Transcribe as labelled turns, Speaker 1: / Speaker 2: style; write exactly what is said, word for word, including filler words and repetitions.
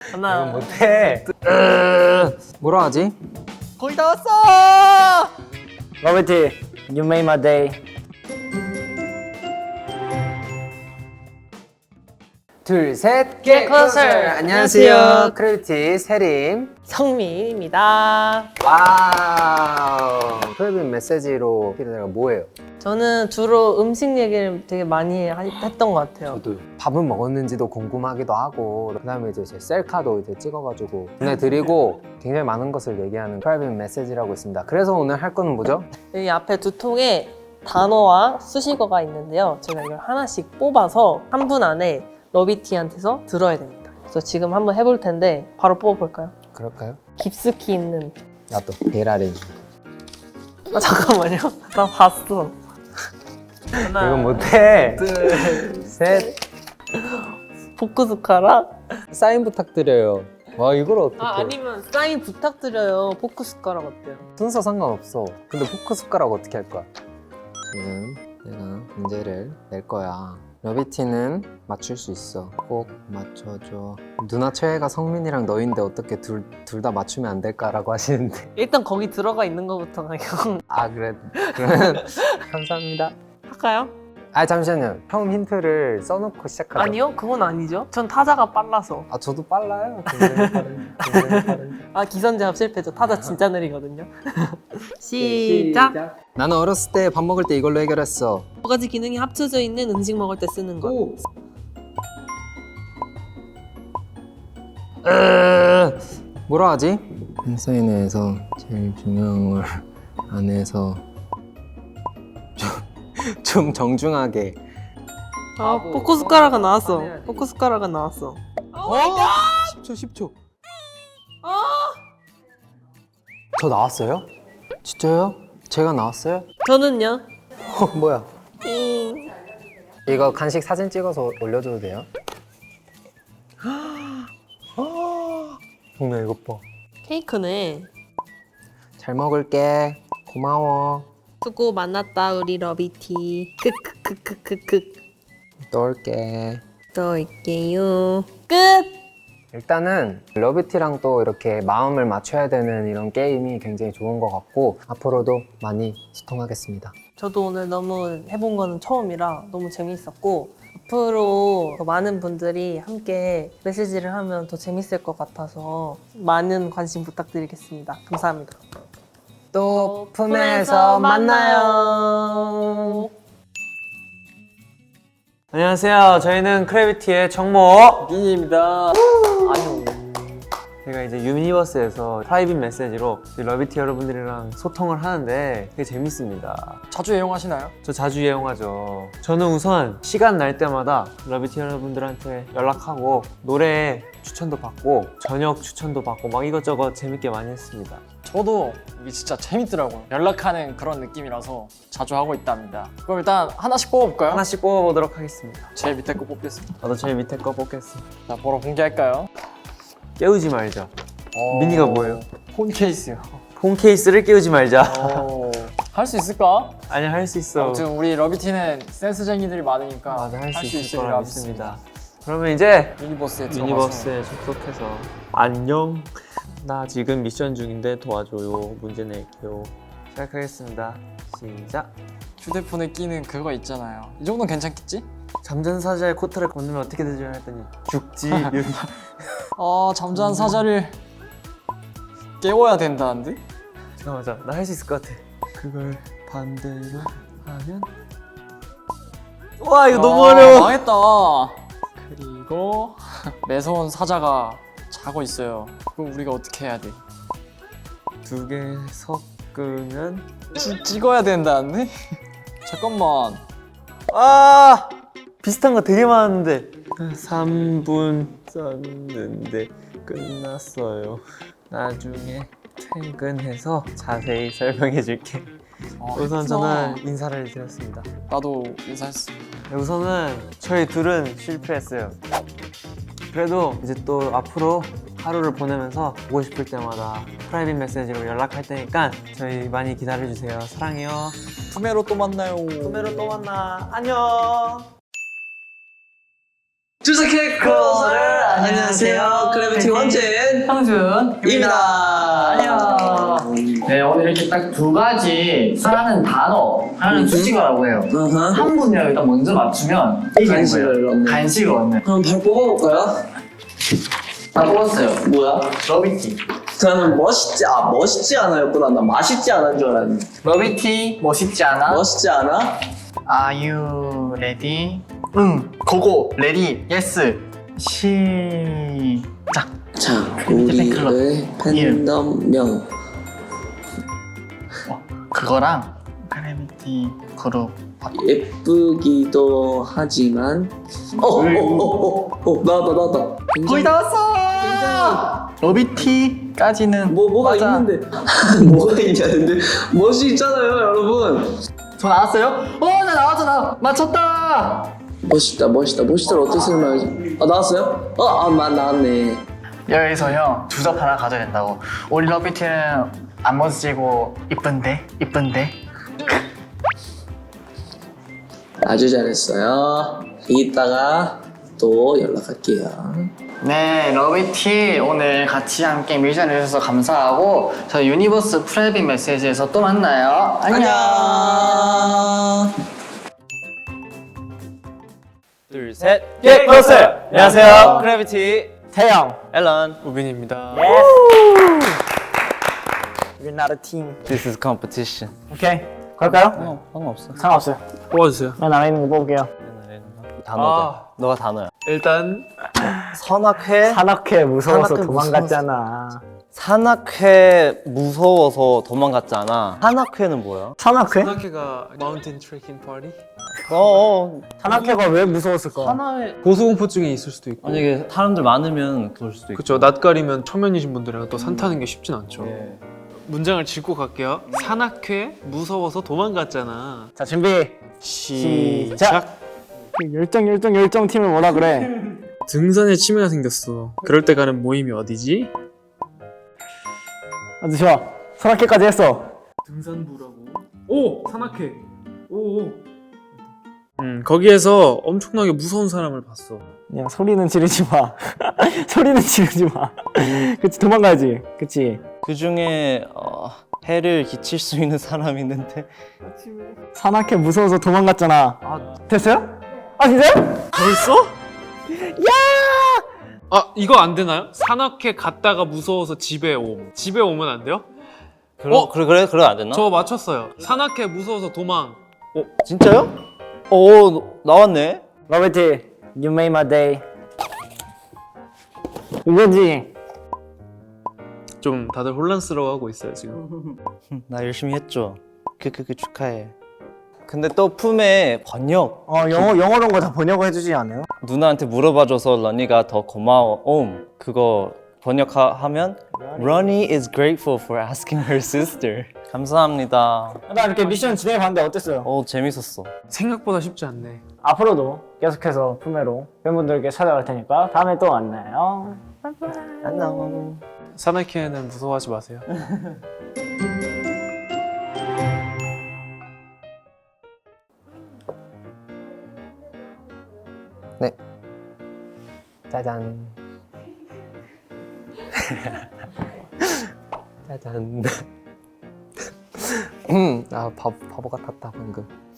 Speaker 1: 하나.
Speaker 2: 이건 못해. 뭐라 하지?
Speaker 1: 거의 다 왔어.
Speaker 2: 러비티, you made my day. 둘, 셋,
Speaker 1: Get closer.
Speaker 2: 안녕하세요.
Speaker 1: 안녕하세요.
Speaker 2: 크래비티 세림.
Speaker 1: 성민입니다.
Speaker 2: 와우. 크래비 메시지로 내가 뭐예요?
Speaker 1: 저는 주로 음식 얘기를 되게 많이 하- 했던 것 같아요.
Speaker 2: 저도 밥은 먹었는지도 궁금하기도 하고, 그다음에 이제 제 셀카도 이제 찍어가지고 보내드리고 굉장히 많은 것을 얘기하는 프라이빗 메시지라고 있습니다. 그래서 오늘 할 거는 뭐죠?
Speaker 1: 여기 앞에 두 통에 단어와 수식어가 있는데요. 제가 이걸 하나씩 뽑아서 한 분 안에 러비티한테서 들어야 됩니다. 그래서 지금 한번 해볼 텐데 바로 뽑아볼까요?
Speaker 2: 그럴까요?
Speaker 1: 깊숙이 있는.
Speaker 2: 나도 베라린.
Speaker 1: 아 잠깐만요. 나 봤어. 하나,
Speaker 2: 이건 못해.
Speaker 1: 둘,
Speaker 2: 셋.
Speaker 1: 포크 숟가락.
Speaker 2: 사인 부탁드려요. 와, 이걸 어떻게?
Speaker 1: 아 아니면 사인 부탁드려요. 포크 숟가락 어때요?
Speaker 2: 순서 상관없어. 근데 포크 숟가락 어떻게 할 거야? 지금 내가 문제를 낼 거야. 러비티는 맞출 수 있어. 꼭 맞춰줘. 누나 최애가 성민이랑 너인데 어떻게 둘 둘 다 맞추면 안 될까라고 하시는데.
Speaker 1: 일단 거기 들어가 있는 것부터 그냥
Speaker 2: 아 그래. 그러면 감사합니다.
Speaker 1: 할까요?
Speaker 2: 아 잠시만요. 처음 힌트를 써놓고 시작하죠.
Speaker 1: 아니요, 그건 아니죠. 전 타자가 빨라서.
Speaker 2: 아 저도 빨라요. 굉장히 빠른. 굉장히 빠른.
Speaker 1: 아 기선제압 실패죠. 타자 진짜 느리거든요. 시작.
Speaker 2: 나는 어렸을 때 밥 먹을 때 이걸로 해결했어.
Speaker 1: 여러 가지 기능이 합쳐져 있는 음식 먹을 때 쓰는 거.
Speaker 2: 오. 으, 뭐라 하지? 팬사인회에서 제일 중요한 걸 안에서 좀, 좀 정중하게.
Speaker 1: 아 포크 숟가락은 나왔어. 포크 숟가락은 나왔어.
Speaker 2: 어? 십 초 십 초. 저 나왔어요? 진짜요? 제가 나왔어요?
Speaker 1: 저는요.
Speaker 2: 어, 뭐야?
Speaker 1: 음.
Speaker 2: 이거 간식 사진 찍어서 올려줘도 돼요? 정말 이것 봐.
Speaker 1: 케이크네.
Speaker 2: 잘 먹을게. 고마워.
Speaker 1: 수고 만났다 우리 러비티. 크크크크크크.
Speaker 2: 또 올게.
Speaker 1: 또 올게요. 끝.
Speaker 2: 일단은 러비티랑 또 이렇게 마음을 맞춰야 되는 이런 게임이 굉장히 좋은 것 같고 앞으로도 많이 소통하겠습니다.
Speaker 1: 저도 오늘 너무 해본 거는 처음이라 너무 재밌었고 앞으로 더 많은 분들이 함께 메시지를 하면 더 재밌을 것 같아서 많은 관심 부탁드리겠습니다. 감사합니다.
Speaker 2: 또 품에서 만나요.
Speaker 3: 안녕하세요. 저희는 크래비티의 정모
Speaker 1: 민희입니다.
Speaker 3: 아니요. 제가 이제 유니버스에서 프라이빗 메시지로 러비티 여러분들이랑 소통을 하는데 되게 재밌습니다.
Speaker 4: 자주 애용하시나요?
Speaker 3: 저 자주 이용하죠. 저는 우선 시간 날 때마다 러비티 여러분들한테 연락하고 노래 추천도 받고 저녁 추천도 받고 막 이것저것 재밌게 많이 했습니다.
Speaker 4: 저도 이게 진짜 재밌더라고요. 연락하는 그런 느낌이라서 자주 하고 있답니다. 그럼 일단 하나씩 뽑아볼까요?
Speaker 3: 하나씩 뽑아보도록 하겠습니다.
Speaker 4: 제일 밑에 거 뽑겠습니다.
Speaker 3: 저도 제일 밑에 거 뽑겠습니다.
Speaker 4: 자, 바로 공개할까요?
Speaker 3: 깨우지 말자. 민희가 뭐예요?
Speaker 4: 폰 케이스요.
Speaker 3: 폰 케이스를 깨우지 말자.
Speaker 4: 할 수 있을까?
Speaker 3: 아니 할 수 있어.
Speaker 4: 아무튼 우리 러비티는 센스쟁이들이 많으니까
Speaker 3: 맞아, 할 수 있을
Speaker 4: 있으리라
Speaker 3: 거라 믿습니다. 그러면 이제
Speaker 4: 유니버스에 들어가서
Speaker 3: 유니버스에 접속해서 안녕, 나 지금 미션 중인데 도와줘요, 문제 낼게요. 시작하겠습니다. 시작.
Speaker 4: 휴대폰에 끼는 그거 있잖아요. 이 정도는 괜찮겠지?
Speaker 3: 잠든 사자의 코트를 건너면 어떻게 되죠? 했더니 죽지.
Speaker 4: 아, 잠자는 사자를 깨워야 된다는데?
Speaker 3: 잠깐만, 자, 나 할 수 있을 것 같아. 그걸 반대로 하면 와 이거 너무
Speaker 4: 아,
Speaker 3: 어려워.
Speaker 4: 망했다. 그리고 매서운 사자가 자고 있어요. 그럼 우리가 어떻게 해야 돼?
Speaker 3: 두 개 섞으면
Speaker 4: 찌, 찍어야 된다는데? 잠깐만.
Speaker 3: 아 비슷한 거 되게 많았는데 삼 분 썼는데 끝났어요. 나중에 퇴근해서 자세히 설명해 줄게.
Speaker 4: 아,
Speaker 3: 우선
Speaker 4: 했구나.
Speaker 3: 저는 인사를 드렸습니다.
Speaker 4: 나도 인사했어.
Speaker 3: 우선은 저희 둘은 실패했어요. 그래도 이제 또 앞으로 하루를 보내면서 보고 싶을 때마다 프라이빗 메시지로 연락할 테니까 저희 많이 기다려주세요. 사랑해요.
Speaker 4: 품에로 또 만나요.
Speaker 3: 꿈에로 또 만나. 안녕.
Speaker 5: 주석의 크로ser 안녕하세요. 그래비티 원진
Speaker 4: 형준입니다. 안녕. 네, 오늘 이렇게 딱 두 가지 하나는 단어, 하나는 수식어라고 해요. 한 분이랑 일단 먼저 맞추면 이기는
Speaker 5: 간식을
Speaker 4: 거예요.
Speaker 5: 얻는.
Speaker 4: 간식을 얻는.
Speaker 5: 그럼 바로 뽑아볼까요?
Speaker 4: 다 뽑았어요.
Speaker 5: 뭐야?
Speaker 4: 러비티.
Speaker 5: 저는 멋있지 아 멋있지 않아였구나. 나 맛있지 않은 줄 알았는데.
Speaker 4: 러비티 멋있지 않아?
Speaker 5: 멋있지 않아?
Speaker 4: Are you ready? 응. 고고. 레디. 예스. 시작.
Speaker 5: 자,
Speaker 4: 팬클럽.
Speaker 5: 우리의 팬덤명.
Speaker 4: 어, 그거랑 그래비티 그룹.
Speaker 5: 예쁘기도 하지만 어어어어어 나왔다 나왔다.
Speaker 4: 거의 다 왔어. 러비티까지는
Speaker 5: 뭐 뭐가
Speaker 4: 맞아.
Speaker 5: 있는데 뭐가 있냐는데 멋이 있잖아요, 여러분.
Speaker 4: 저 나왔어요? 어, 나 나왔잖아. 맞췄다.
Speaker 5: 멋있다 멋있다 멋있다를 어떻게 설명하지? 아 나왔어요? 어아만 나왔네.
Speaker 4: 여기서 형 주접 하나 가져야 된다고. 우리 러비티는 안 멋지고 이쁜데 이쁜데.
Speaker 5: 아주 잘했어요. 이따가 또 연락할게요.
Speaker 4: 네, 러비티 오늘 같이 함께 미션을 해주셔서 감사하고 저희 유니버스 프라이빗 메시지에서 또 만나요. 안녕.
Speaker 6: 둘, 셋.
Speaker 3: 예, 크로스. 안녕하세요.
Speaker 6: 크래비티
Speaker 4: 태영.
Speaker 6: 앨런.
Speaker 3: 우빈입니다.
Speaker 4: We're not a team.
Speaker 6: This is competition.
Speaker 4: 오케이. 갈까요?
Speaker 6: 어, 상관없어.
Speaker 4: 상관없어요.
Speaker 3: 뽑아주세요.
Speaker 4: 맨 아래 있는 거 뽑을게요.
Speaker 6: 단어다. 너가 단어야.
Speaker 3: 일단
Speaker 6: 산악회.
Speaker 4: 산악회 무서워서
Speaker 6: 산악회
Speaker 4: 도망갔잖아.
Speaker 6: 산악회 무서워서 도망갔잖아. 산악회는 뭐야?
Speaker 4: 산악회?
Speaker 3: 산악회가 마운틴 트레킹 파티?
Speaker 6: 어, 어.
Speaker 4: 산악회가 왜 무서웠을까?
Speaker 6: 하나에
Speaker 3: 고소공포증이 있을 수도 있고.
Speaker 6: 만약에 사람들 많으면 그럴 수도 있고.
Speaker 3: 그렇죠. 낯가리면 초면이신 분들이랑 또 산 타는 게 쉽진 않죠.
Speaker 6: 예.
Speaker 3: 문장을 짚고 갈게요. 산악회 무서워서 도망갔잖아.
Speaker 4: 자, 준비.
Speaker 3: 시작.
Speaker 4: 열정 열정 열정 팀을 뭐라 그래?
Speaker 3: 등산에 치매가 생겼어. 그럴 때 가는 모임이 어디지?
Speaker 4: 아주 좋아. 산악회까지 했어.
Speaker 3: 등산부라고. 오! 산악회. 오. 음, 거기에서 엄청나게 무서운 사람을 봤어.
Speaker 4: 그냥 소리는 지르지 마. 소리는 지르지 마. 그치, 도망가야지. 그치.
Speaker 6: 그 중에 어, 해를 끼칠 수 있는 사람이 있는데
Speaker 4: 산악회 무서워서 도망갔잖아. 아, 됐어요? 아, 진짜요?
Speaker 3: 벌써? 야! 아, 이거 안 되나요? 산악회 갔다가 무서워서 집에 옴. 집에 오면 안 돼요?
Speaker 6: 그래,
Speaker 3: 어?
Speaker 6: 그래 그래 그래 안 됐나?
Speaker 3: 저 맞췄어요. 산악회 무서워서 도망.
Speaker 6: 어, 진짜요? 오, 나왔네.
Speaker 4: 러베티, you made my day. 이거지?
Speaker 3: 좀 다들 혼란스러워하고 있어요, 지금.
Speaker 6: 나 열심히 했죠. 크크크 축하해. 근데 또 품에 번역
Speaker 4: 어, 영어, 영어로 거 다 번역을 해주지 않아요?
Speaker 6: 누나한테 물어봐줘서 러니가 더 고마워. 옴 그거 번역하면 Ronnie is grateful for asking her sister. 감사합니다.
Speaker 4: 나 이렇게 미션 진행해봤는데 어땠어요?
Speaker 6: 오 재밌었어.
Speaker 3: 생각보다 쉽지 않네.
Speaker 4: 앞으로도 계속해서 품에로 팬분들께 찾아갈 테니까 다음에 또 만나요.
Speaker 6: 안녕.
Speaker 3: 산악회는 무서워하지 마세요.
Speaker 2: 네. 짜잔. 짜잔. 음, 아 바보, 바보 같았다 방금.